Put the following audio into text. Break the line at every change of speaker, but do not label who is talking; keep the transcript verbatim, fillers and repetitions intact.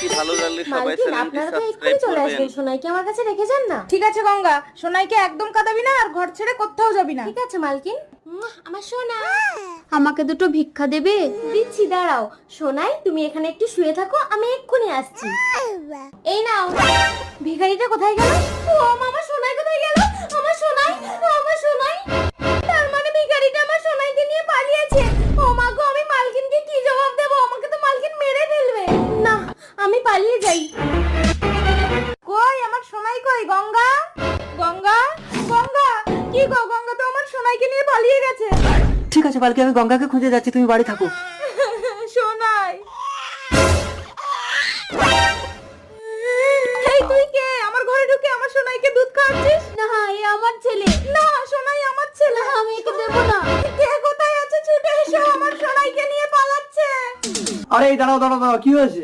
ভালো লাগলে সবাই
মালকিন
চ্যানেলটি
আপনারা তো এক্ষুনি
সাবস্ক্রাইব
চলে
করবেন।
আসবেন, সোনাইকে আমার কাছে রেখে যান না।
ঠিক আছে গঙ্গা, সোনাইকে একদম কাঁদাবি না আর ঘর ছেড়ে কোথাও যাবি না।
ঠিক আছে মালকিন। উম, আমার সোনা
আমাকে দুটো ভিক্ষা দেবে?
দিচ্ছি, দাঁড়াও। সোনাই তুমি এখানে একটু শুয়ে থাকো, আমি এক্ষুনি আসছি। এই নাও। ভিখারিটা কোথায় গেল? ও আমার সোনাই কোথায় গেল? আমার সোনাই, আমার সোনাই। তার মানে ভিখারিটা আমার সোনাইকে নিয়ে পালিয়েছে। ও মা গো, আমি মালকিনকে কি জবাব দেব? আমাকে তো মালকিন মেরে ফেলবে। না, আমি পালিয়ে যাই।
কই আমার সোনাই কই? গঙ্গা, গঙ্গা, গঙ্গা, কি গো? গঙ্গা তো আমার সোনাইকে নিয়ে পালিয়ে গেছে।
ঠিক আছে পালকি, আমি গঙ্গাকে খুঁজে যাচ্ছি, তুমি বাড়ি থাকো।
সোনাই, এই তুই কে? আমার ঘরে ঢুকে আমার সোনাইকে দুধ খাওয়াচ্ছিস?
না, এ আমার ছেলে।
না, সোনাই আমার ছেলে।
না, আমি একে দেবো না।
কে কোথায় আছে? ছুটে এসো, আমার সোনাইকে নিয়ে পালাচ্ছে।
আরে এই দাঁড়াও দাঁড়াও দাঁড়াও, কি হয়েছে?